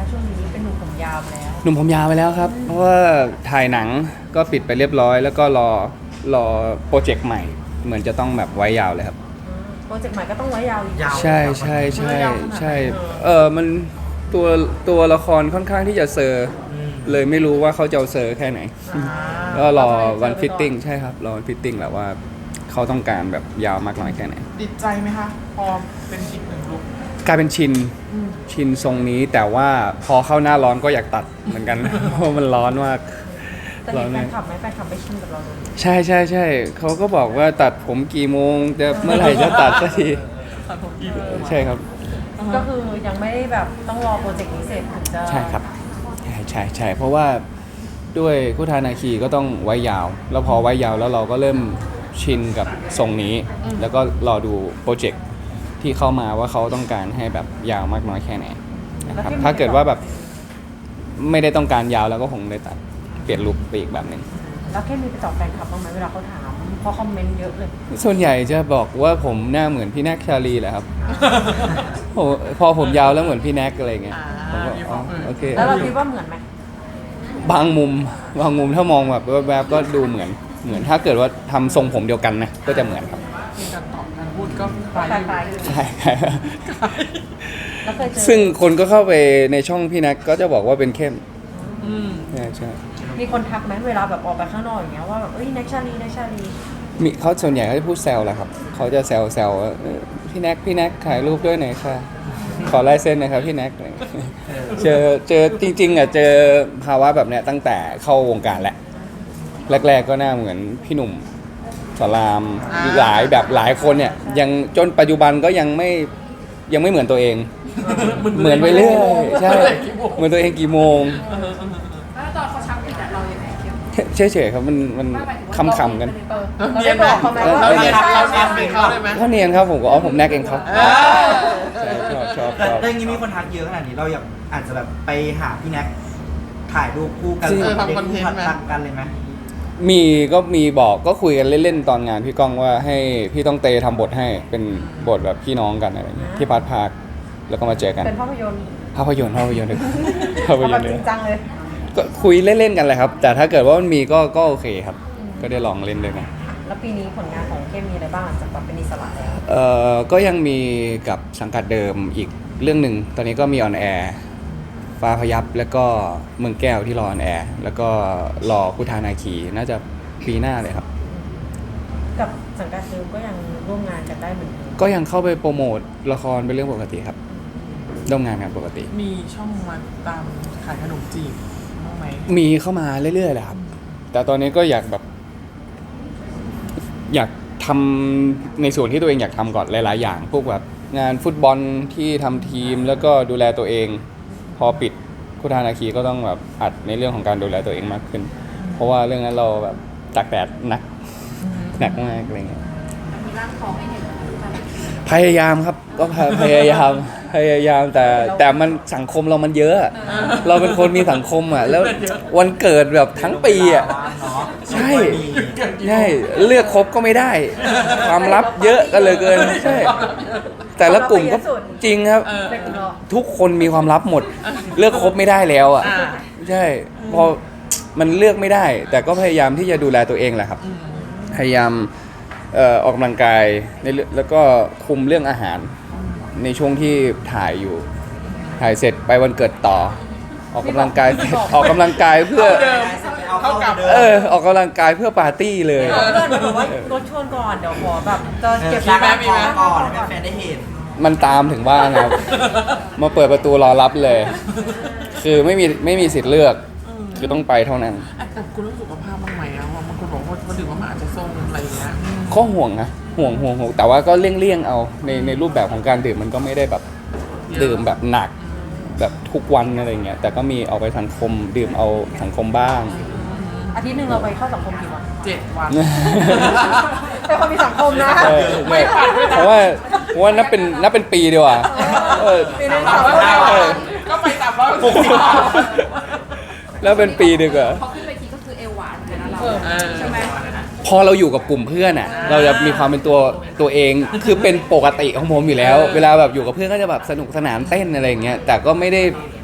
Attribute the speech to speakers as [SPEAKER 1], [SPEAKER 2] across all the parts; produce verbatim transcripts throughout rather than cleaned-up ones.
[SPEAKER 1] ช่วงนี้เป็นหนุ่มผมยาวไปแล้ว
[SPEAKER 2] หนุ่มผมยาวไปแล้วครับ เพราะว่าถ่ายหนังก็ปิดไปเรียบร้อย แล้วก็รอรอโปรเจกต์ใหม่ เหมือนจะต้องแบบไว้ยาวเลยครับ
[SPEAKER 1] โปรเจกต์ใหม่ก็ต้องไว้ยาวอีก
[SPEAKER 2] ใช่ใช่ใช่ใช่เออมันตัวตัวละครค่อนข้างที่จะเซอร์เลยไม่รู้ว่าเขาจะเอาเซอร์แค่ไหนก็รอวันฟิตติ้งใช่ครับรอวันฟิตติ้งแหละว่าเขาต้องการแบบยาวมากน้อยแค่ไหน
[SPEAKER 3] ติดใจไหมคะพอเป็นอีกหนึ่งลุค
[SPEAKER 2] กลายเป็นชินชินทรงนี้แต่ว่าพอเข้าหน้าร้อนก็อยากตัดเหมือนกัน เพราะมันร้อนมาก
[SPEAKER 1] แต่มีแฟนคลับไหมแฟนคลับไม่ชินกับเราเลย
[SPEAKER 2] ใช่ใช่ใช่เขาก็บอกว่าตัดผมกี่โมงแต่เมื่อไหร่จะตัดสักที
[SPEAKER 3] ตัดผมกี่โมง
[SPEAKER 2] ใช่ครับ
[SPEAKER 1] ก็คือยังไม่ได้แบบต้องรอโปรเจกต์นี้เสร็จถึงจะ
[SPEAKER 2] ใช่ครับใช่ใช่ใช่เพราะว่าด้วยคู่ทานาคีก็ต้องไว้ยาว แล้วพอไว้ยาวแล้วเราก็เริ่มชินกับทรงนี้ แล้วก็รอดูโปรเจกต์ที่เข้ามาว่าเขาต้องการให้แบบยาวมากน้อยแค่ไหนนะครับถ้าเกิดว่าแบบไม่ได้ต้องการยาวแล้วก็คงได้ตัดเปลี่ยนลุคไปอีกแบบหนึ่ง
[SPEAKER 1] แล้วแค่มีไปตอบแฟนคลับบ้างไหมเวลาเขาถามเพราะคอมเมนต์เยอะเลย
[SPEAKER 2] ส่วนใหญ่จะบอกว่าผมหน้าเหมือนพี่แน็กชาลีแหละครับ โอ้พอผมยาวแล้วเหมือนพี่แน็กอะไรเงี้ยผมก็อ๋อโอเค
[SPEAKER 1] แล้วเราคิดว่าเหมือนไหม
[SPEAKER 2] บางมุมบางมุมถ้ามองแบบแวบๆก็ดูเหมือนเหมือนถ้าเกิดว่าทำทรงผมเดียวกันนะก็จะเหมือนครับ
[SPEAKER 3] มีการตอบการพูดก็ค
[SPEAKER 1] ค
[SPEAKER 3] ล้าย
[SPEAKER 1] ล้าย
[SPEAKER 2] ใช่ใช่
[SPEAKER 1] ๆแล้วเคยเจอ
[SPEAKER 2] ซึ่งคนก็เข้าไปในช่องพี่แน็กก็จะบอกว่าเป็นเข้ม
[SPEAKER 3] อืม
[SPEAKER 2] ใช่ใช่
[SPEAKER 1] มีคนทักไหมเวลาแบบออกไปข้างนอกอย่างเงี้ยว่าแบบเอ้ยแน็กชาลีแน็กชาลี
[SPEAKER 2] มีเขาส่วนใหญ่เขาจะพูดแซวแหละครับเขาจะแซวแซวว่าเออพี่แน็กพี่แน็กถ่ายรูปด้วยหน่อยค่ะขอลายเซ็นหนะครับพี่แน็กอะไรอย่างเงี้ยเจอเจอจริงๆอ่ะเจอภาวะแบบเนี้ยตั้งแต่เข้าวงการแหละแรกๆก็หน้าเหมือนพี่หนุ่มสลามหลายแบบหลายคนเนี่ยยังจนปัจจุบันก็ยังไม่ยังไม่เหมือนตัวเอง เหมือนไปเรื่อยใช่เหมือนตัวเองกี่โมง
[SPEAKER 4] แล้วตอนเขาชักผิดอะเรายังไงเข้ม
[SPEAKER 2] เฉยๆครับมันมันคำๆกัน
[SPEAKER 1] เออ
[SPEAKER 3] เรา
[SPEAKER 1] เรา
[SPEAKER 3] เนีย
[SPEAKER 1] ได้
[SPEAKER 3] นไหม
[SPEAKER 1] บอกเขาไหมว่า
[SPEAKER 3] เรา
[SPEAKER 1] เออ
[SPEAKER 3] เนียน
[SPEAKER 1] ใช่
[SPEAKER 3] เรา
[SPEAKER 1] ใช่
[SPEAKER 3] เนียนเป็นเขาได้ไหม
[SPEAKER 2] ก็เนียนครับผมก็อ๋อผมแน็กเองครับ
[SPEAKER 3] เออ
[SPEAKER 2] ใช่ชอบชอบ
[SPEAKER 5] แต่
[SPEAKER 2] ชอบ
[SPEAKER 5] แต่อย่างนี้มีคนทักเยอะขนาดนี้เราอยากอาจจะแบบไปหาพี่แน็กถ่ายรูปคู่กัน
[SPEAKER 2] จริง
[SPEAKER 5] เด็ก
[SPEAKER 3] ทำคอนเทนต์
[SPEAKER 5] ผัด
[SPEAKER 3] ไหม
[SPEAKER 5] ตักกันเลยไหม
[SPEAKER 2] มีก็มีบอกก็คุยกันเล่นๆตอนงานพี่ก้องว่าให้พี่ต้องเตทำบทให้เป็นบทแบบพี่น้องกันอะไรอย่างเงี้ยที่พาร์ทพาร์คแล้วก็มาเจอกัน
[SPEAKER 1] เป็นภาพยนตร์
[SPEAKER 2] ภาพยนตร์ภาพยนตร์เลยภาพ
[SPEAKER 1] เอา
[SPEAKER 2] ย
[SPEAKER 1] แบ
[SPEAKER 2] น
[SPEAKER 1] บ
[SPEAKER 2] ตร์
[SPEAKER 1] จ
[SPEAKER 2] เล
[SPEAKER 1] ริ
[SPEAKER 2] ย
[SPEAKER 1] งจังเลย
[SPEAKER 2] ก็คุยเล่นๆกันเลยครับ แต่ถ้าเกิดว่ามันมีก็ก็โอเคครับ ก็ได้ลองเล่นด้วยกัน
[SPEAKER 1] แล้วปีนี้ผลงานของเข้มมีอะไรบ้างหลังจากแบบเป็นอิสระแล้ว
[SPEAKER 2] เอ่อก็ยังมีกับสังกัดเดิมอีกเรื่องหนึ่งตอนนี้ก็มีออนแอร์ฟ้าพยับแล้วก็เมืองแก้วที่รอออนแอร์แล้วก็รอพุทธานาคีน่าจะปีหน้าเลยครับ
[SPEAKER 1] กับสังกัดเดิมก็ยังร่วมงานกันได้เหมือนเดิม
[SPEAKER 2] ก็ยังเข้าไปโปรโมทละครเป็นเรื่องปกติครับร่วมงานกันปกติ
[SPEAKER 3] มีช่องมาตามขายขนมจีบบ้างไหม
[SPEAKER 2] มีเข้ามาเรื่อยๆแหละครับ แต่ตอนนี้ก็อยากแบบ อยากทำในส่วนที่ตัวเองอยากทำก่อนหลายๆอย่าง พวกแบบงานฟุตบอลที่ทำทีมแล้วก็ดูแลตัวเอง พอปิดคุทานาคีก็ต้องแบบอัดในเรื่องของการดูแลตัวเองมากขึ้น เพราะว่าเรื่องนั้นเราแบบตากแดดหนักหนักมากอะไรเงี้ย
[SPEAKER 4] มีร่างทองให้เห็นแบบ
[SPEAKER 2] พยายามครับก็พยพยายามพยายามแต่แต่มันสังคมเรามันเยอะ เราเป็นคนมีสังคมอ่ะแล้ววันเกิดแบบทั้งปีอ่ะ
[SPEAKER 5] เนาะ
[SPEAKER 2] ใช่ใช่เลือกครบก็ไม่ได้ ความลับเยอะกันเลยเกินใช่แต่ละกลุ่มก็จริงครับ
[SPEAKER 1] เป็นรอ
[SPEAKER 2] ทุกคนมีความลับหมด เลือกครบไม่ได้แล้วอ่ะ
[SPEAKER 3] อ่า
[SPEAKER 2] ใช่พอมันเลือกไม่ได้ แต่ก็พยายามที่จะดูแลตัวเองแหละครับ พยายามเอ่อออกกำลังกายในเรื่องแล้วก็คุมเรื่องอาหาร ในช่วงที่ถ่ายอยู่ ถ่ายเสร็จไปวันเกิดต่อ ออกกำลังกายเสร็จออกกำลังกายเพื่อ
[SPEAKER 3] เดิม
[SPEAKER 5] เอา
[SPEAKER 3] เท่า
[SPEAKER 5] เข้า
[SPEAKER 3] กับ
[SPEAKER 5] เดิม
[SPEAKER 2] เออออกกำลังกายเพื่อปาร์ตี้เลย
[SPEAKER 1] เพื่อนมันบอกว่ารถชวนก่อนเดี๋ยวขอแบบจะเก็บ
[SPEAKER 5] มีไหม
[SPEAKER 1] ร้าน
[SPEAKER 5] มีไหมก่อนให้แฟนได้เห็น
[SPEAKER 2] มันตามถึงบ้านครับ มาเปิดประตูรอรับเลย คือไม่มีไม่มีสิทธิ์เลือก คือต้องไปเท่านั้น
[SPEAKER 3] อ่ะแต่คุณรู้สุขภาพบ้างไหมอ่ะบางคนบอกว่ามันถึงว่ามันอาจจะทรงอะไรอย่างเงี้ย
[SPEAKER 2] ก็ห่วงนะห่วงห่วงห่วงแต่ว่าก็เลี่ยงเลี่ยงๆเอาในในรูปแบบของการดื่มมันก็ไม่ได้แบบดื่มแบบหนัก แบบทุกวันอะไรเงี้ยแต่ก็มีออกไปสังคมดื่มเอาสังคมบ้าง
[SPEAKER 1] อาทิตย์หนึ่งเราไปเข้าสังคมกี่วัน
[SPEAKER 3] เจ็ดวัน
[SPEAKER 1] เป็นคนมีสังคมนะ
[SPEAKER 2] เออใช่เพราะว่าเพราะว่านับเป็นนับเป็นปีดีกว่าเออ
[SPEAKER 1] ปีหนึง
[SPEAKER 3] สา
[SPEAKER 1] สาม ม
[SPEAKER 3] ร้อย
[SPEAKER 1] วัน
[SPEAKER 3] ห้าวันก็ไปสามร้อยหกสิบวัน
[SPEAKER 2] แล้วเป็นปีดีกว่า
[SPEAKER 4] พอขึ้นเวทีก็คือเอวหวานเหมือนกันนะเรา
[SPEAKER 3] เออ
[SPEAKER 4] ใช่ไหม
[SPEAKER 2] พอเราอยู่กับกลุ่มเพื่อนอ่ะ เราจะมีความเป็นตัวตัวเอง คือเป็นปกติของผมอยู่แล้ว เวลาแบบอยู่กับเพื่อนก็จะแบบสนุกสนานเต้นอะไรอย่างเงี้ย แต่ก็ไม่ได้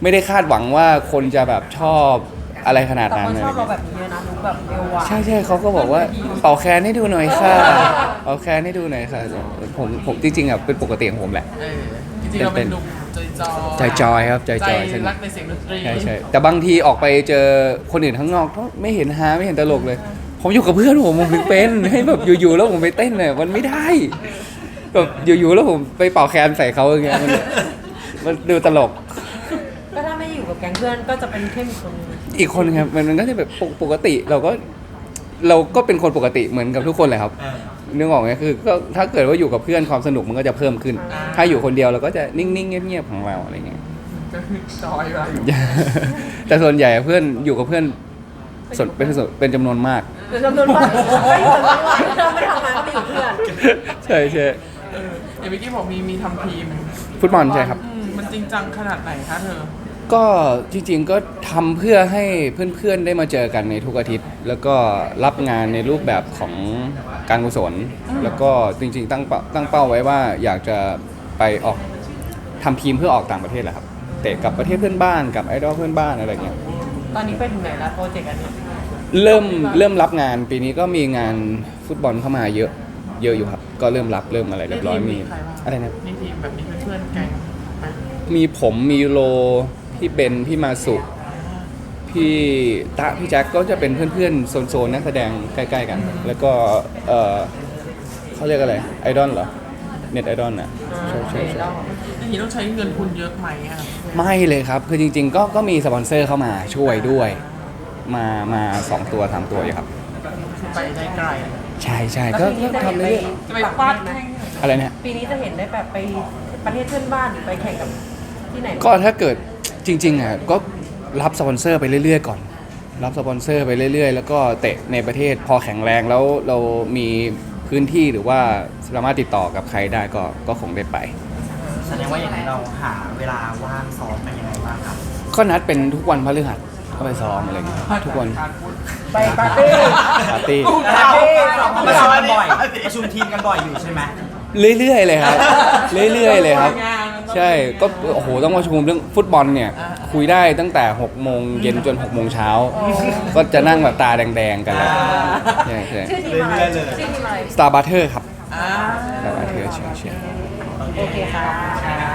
[SPEAKER 2] ไม่ได้คาดหวังว่าคนจะแบบชอบอะไรขนาด
[SPEAKER 1] แต่
[SPEAKER 2] นั้น
[SPEAKER 1] คน
[SPEAKER 2] เลย
[SPEAKER 1] ชอบเราแบบนี้เยอะนะรู้แบบเร็วอ่ะ
[SPEAKER 2] ใช่ใช่เขาก็บอกว่าเป่าแคนให้ดูหน่อยค่ะเป่าแคนให้ดูหน่อยค่ะผมผมจริงๆอ่ะเป็นปกติของผมแหละ
[SPEAKER 3] เออจริงๆเราเป็นหนุ่มใจจอย
[SPEAKER 2] ใจจอยครับใจจอย
[SPEAKER 3] ใจ
[SPEAKER 2] สนุ
[SPEAKER 3] รั
[SPEAKER 2] ก
[SPEAKER 3] กในเสียงดนตรี
[SPEAKER 2] ใช่ใช่แต่บางทีออกไปเจอคนอื่นข้างนอกก็ไม่เห็นฮาไม่เห็นตลกเลย ผมอยู่กับเพื่อนผมผมถึงเป็นให้แบบอยู่ๆแล้วผมไปเต้นเนี่ยมันไม่ได้แบบอยู่ๆแล้วผมไปเป่าแคนใส่เขาอย่างเงี้ยมันมันดูตลก
[SPEAKER 1] ก็ถ้าไม่อยู่กับแก๊งเพื่อนก็จะเป็นเข้มอีกคนนึง
[SPEAKER 2] อีกคนครับมันมันก็จะแบบปกปกติเราก็เราก็เป็นคนปกติเหมือนกับทุกคนเลยครับ
[SPEAKER 5] เออ
[SPEAKER 2] นึกออกไหมคือก็ถ้าเกิดว่าอยู่กับเพื่อนความสนุกมันก็จะเพิ่มขึ้น ถ้าอยู่คนเดียวเราก็จะนิ่งๆเงียบๆของเราอะไรเงี้ย
[SPEAKER 3] ก็คือจอยเวลาอยู่
[SPEAKER 2] แต่ส่วนใหญ่เพื่อนอยู่กับเพื่อนส่วนเป็นส่วนเป็นจำนวนมาก
[SPEAKER 1] เป็นจำนวนมากไม่อยู่ทั้งวันเราไม่ทำงานก็ไปอยู่เพื่อน
[SPEAKER 2] ใช่ใช่
[SPEAKER 3] เอออย่างเมื่อกี้บอกมีมีทำทีม
[SPEAKER 2] ฟุตบอลใช่ครับ
[SPEAKER 3] อืมมันจริงจังขนาดไหนคะเธอ
[SPEAKER 2] ก็จริงๆก็ทำเพื่อให้เพื่อนๆได้มาเจอกันในทุกอาทิตย์ แล้วก็รับงานในรูปแบบของการกุศล แล้วก็จริงๆตั้งเป้าตั้งเป้าไว้ว่าอยากจะไปออกทำทีมเพื่อออกต่างประเทศแหละครับเตะกับประเทศเพื่อนบ้านกับไอดอลเพื่อนบ้านอะไรเงี้ย
[SPEAKER 1] ตอนนี้ไปถึงไหนแล้วโปรเจกต์อันเนี้ย
[SPEAKER 2] เริ่มเริ่มรับงานปีนี้ก็มีงานฟุตบอลเข้ามาเยอะเยอะอยู่ครับ ก็เริ่มรับเริ่มอะไรเรียบร้อยมี
[SPEAKER 3] ใครบ้าง
[SPEAKER 2] อะไรนะ
[SPEAKER 3] ในทีมแบบนี้เพื่อนๆแก๊งไหม
[SPEAKER 2] มีผมมีโลพี่เบนพี่มาสุพี่ตะพี่แจ็คก็จะเป็นเพื่อนๆโซนๆนักแสดงใกล้ๆกัน แล้วก็เออเขาเรียกอะไรไอดอลเหรอเน็ตไอดอลน่ะใช่ใช่ใช่
[SPEAKER 3] อย่างนี้ต้องใช้เงินทุนเยอะไหมอ่ะ
[SPEAKER 2] ไม่เลยครับ คือจริงๆ ก็ก็มีสปอนเซอร์เข้ามาช่วยด้วย มามาสองตัวสามตัวอยู่ครับ
[SPEAKER 3] คือไปได้ไกล
[SPEAKER 2] ใช่ใช่
[SPEAKER 1] แล้ว
[SPEAKER 2] ก็
[SPEAKER 1] ปีนี้
[SPEAKER 2] ก็
[SPEAKER 1] จะเห็น
[SPEAKER 2] ทำ
[SPEAKER 1] ไป
[SPEAKER 2] เรื่อย
[SPEAKER 3] จะไปฟาดแข้ง
[SPEAKER 2] ๆอะไรเนี่ย
[SPEAKER 1] ปีนี้จะเห็นได้แบบไปประเทศเพื่อนบ้านหรือไปแข่งกับที่ไหน
[SPEAKER 2] ก็ถ้าเกิดจริงๆอ่ะก็รับสปอนเซอร์ไปเรื่อยๆก่อน รับสปอนเซอร์ไปเรื่อยๆ แล้วก็เตะในประเทศพอแข็งแรงแล้วเรามีพื้นที่หรือว่าสามารถติดต่อกับใครได้ก็ก็คงได้ไป
[SPEAKER 5] แสดงว่าอย่างนี้เราหาเวลาว่างซ้อมกันยังไงบ้างครับ
[SPEAKER 2] ก็นัดเป็นทุกวันพฤหัสก็ไปซ้อมอะไรอย่างเงี้ยทุกวัน
[SPEAKER 3] การพูด
[SPEAKER 1] ไปปาร์ตี้
[SPEAKER 2] ปาร์ตี้
[SPEAKER 5] ประชุมกันบ่อยประชุมทีมกันบ่อยอยู่ใช่ไหม
[SPEAKER 2] เรื่อยๆเลยครับ เรื่อยๆเลยครับ ใช่ก็โอ้โหต้องมาชมเรื่องฟุตบอลเนี่ยคุยได้ตั้งแต่หกโมงเย็นจนหกโมงเช้าก็จะนั่งแบบตาแดงๆกันเลยใช่ใช่
[SPEAKER 1] ชื่อทีมอะไร
[SPEAKER 5] เรื่อยๆเลย
[SPEAKER 1] ชื่อทีมอะไร
[SPEAKER 2] Star Butter ครับ
[SPEAKER 3] อ่า
[SPEAKER 2] Star Butter ใช่ใช่
[SPEAKER 1] โอเคค่ะ